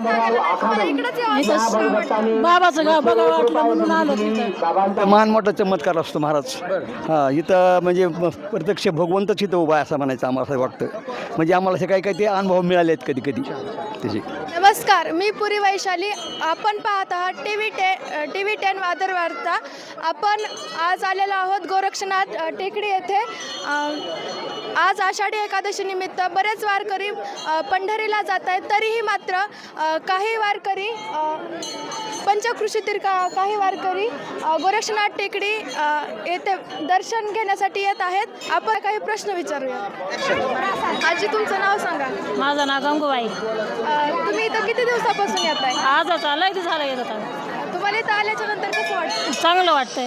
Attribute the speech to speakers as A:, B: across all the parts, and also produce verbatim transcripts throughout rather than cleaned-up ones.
A: बाबाचं गाव बघा वाटलं म्हणून आलो तिथं.
B: मान मोठा चमत्कार असतो महाराज. हां, इथं म्हणजे प्रत्यक्ष भगवंतच इथं उभा आहे असं म्हणायचं आम्हाला असं वाटतं. म्हणजे आम्हाला असे काही काही ते अनुभव मिळाले आहेत कधी कधी त्याचे.
C: नमस्कार, मी पुरी वैशाली. आपण पाहत आहात टी व्ही टे टी व्ही टेन वादर वार्ता. आपण आज आलेलो आहोत गोरक्षनाथ अ, टेकडी येथे. अ, आज आषाढी एकादशी निमित्त बरेच वारकरी अ, पंढरीला जात आहेत. तरीही मात्र अ, काही वारकरी अ, पंचक्रोशीतील का काही वारकरी अ, गोरक्षनाथ टेकडी अ, येथे दर्शन घेण्यासाठी येत आहेत. आपण काही प्रश्न विचारूया. आजी, तुमचं नाव सांगा.
A: माझं नाव गंगूबाई.
C: अ, तुम्ही इथं किती दिवसापासून येत आहे?
A: आजच आलं किती झालं येत होता.
C: तुम्हाला इथं आल्याच्या नंतर कसं वाटतं?
A: चांगलं वाटतंय.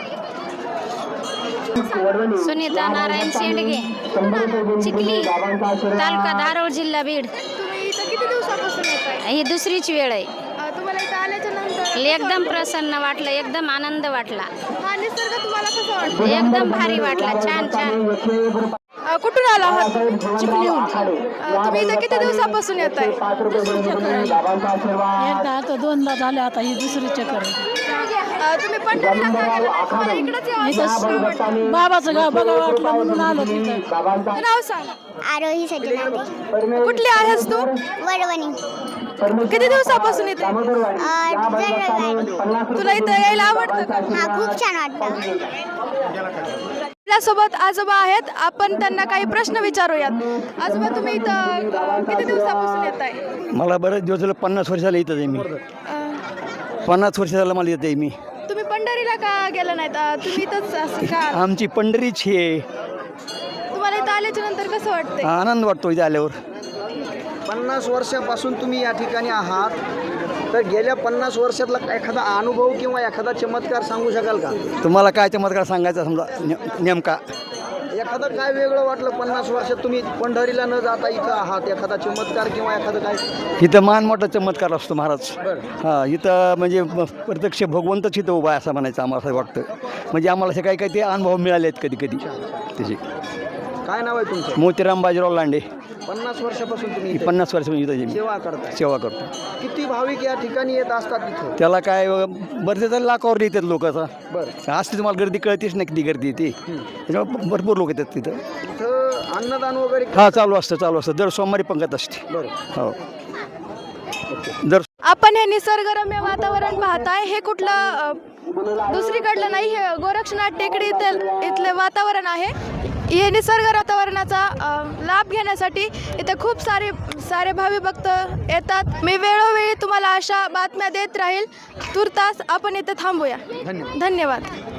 D: सुनीता नारायण शेंडगे, चिखली तालुका धारोळ, जिल्हा बीड.
C: तुम्ही इथं किती दिवसापासून येत आहे?
D: ही दुसरीची वेळ आहे.
C: अ, तुम्हाला इथं आल्याच्या नंतर
D: एकदम प्रसन्न वाटलं, एकदम आनंद वाटला,
C: हा निसर्ग तुम्हाला कसं वाटतं?
D: एकदम भारी वाटला, छान छान.
C: अ, कुठून आला आहात? चिखलीहून. अ, तुम्ही इथं किती दिवसापासून येत आहे?
A: एकदा आता दोनदा झाले, आता ही दुसरी चक्कर आहे.
C: अ, तुम्ही पंढरीला का गेला नाही? तुम्हाला इकडंच यावं.
A: बाबाचं गाव बघा वाटलं म्हणून आलो तिथं.
C: नाव सांग.
D: आरोही सजनादे,
C: कुठली आहेस तू?
D: वडवणी.
C: किती दिवसापासून येते? तुला इथं यायला आवडतं का?
D: हा, खूप छान वाटतं.
C: आपल्यासोबत आजोबा आहेत. आपण त्यांना काही प्रश्न विचारूयात. आजोबा, तुम्ही इथं अ, किती दिवसापासून येत आहे?
B: मला बरेच दिवस झालं, पन्नास वर्ष झालं इथं आहे मी. पन्नास वर्ष झालं मला येत आहे मी.
C: तुम्ही पंढरीला का गेला नाहीत? अ, तुम्ही इथंच असं का?
B: आमची पंढरीच आहे.
C: तुम्हाला इथं आल्याच्या नंतर कसं वाटतंय?
B: आनंद वाटतो इथे आल्यावर.
E: पन्नास वर्षापासून तुम्ही या ठिकाणी आहात, तर गेल्या पन्नास वर्षातला एखादा अनुभव किंवा एखादा चमत्कार सांगू शकाल का?
B: तुम्हाला काय चमत्कार सांगायचा समजा ने- नेमका?
E: एखादं काय वेगळं वाटलं पन्नास वर्षात तुम्ही पंढरीला न जाता इथं आहात, एखादा चमत्कार किंवा एखादं काय?
B: इथं मान मोठा चमत्कार असतो महाराज.
E: बरं.
B: हां, इथं म्हणजे प्रत्यक्ष भगवंतच इथं उभा आहे असं म्हणायचं आम्हाला असं वाटतं. म्हणजे आम्हाला असे काही काही ते अनुभव मिळाले आहेत कधी कधी त्याचे.
E: काय नाव आहे तुमचं?
B: मोतीराम बाजीराव लांडे.
E: पन्नास वर्षापासून तुम्ही इथे
B: पन्नास वर्ष इथं आहे मी.
E: सेवा करताय.
B: सेवा करतो.
E: किती भाविक या ठिकाणी येत असतात तिथं?
B: त्याला काय बरेच लाखावर येतात लोक. आता
E: बरं.
B: असते तुम्हाला गर्दी कळतेच नाही किती गर्दी येते. त्याच्यामुळे भरपूर लोक येतात तिथं.
E: इथं अन्नदान वगैरे?
B: हा, चालू असतं चालू असतं दर सोमवारी पंगत असते.
E: बरं.
B: हो, दर.
C: आपण हे निसर्गरम्य वातावरण पाहताय. हे कुठलं अ, दुसरीकडलं नाही, हे गोरक्षनाथ टेकडी इथं इथले वातावरण आहे. हे निसर्ग वातावरणाचा अ, लाभ घेण्यासाठी इथे खूप सारे सारे भावी भक्त येतात. मी वेळोवेळी तुम्हाला अशा बातम्या देत राहील. तुर्तास आपण इथे थांबूया.
E: धन्यवाद.
C: धन्यवाद.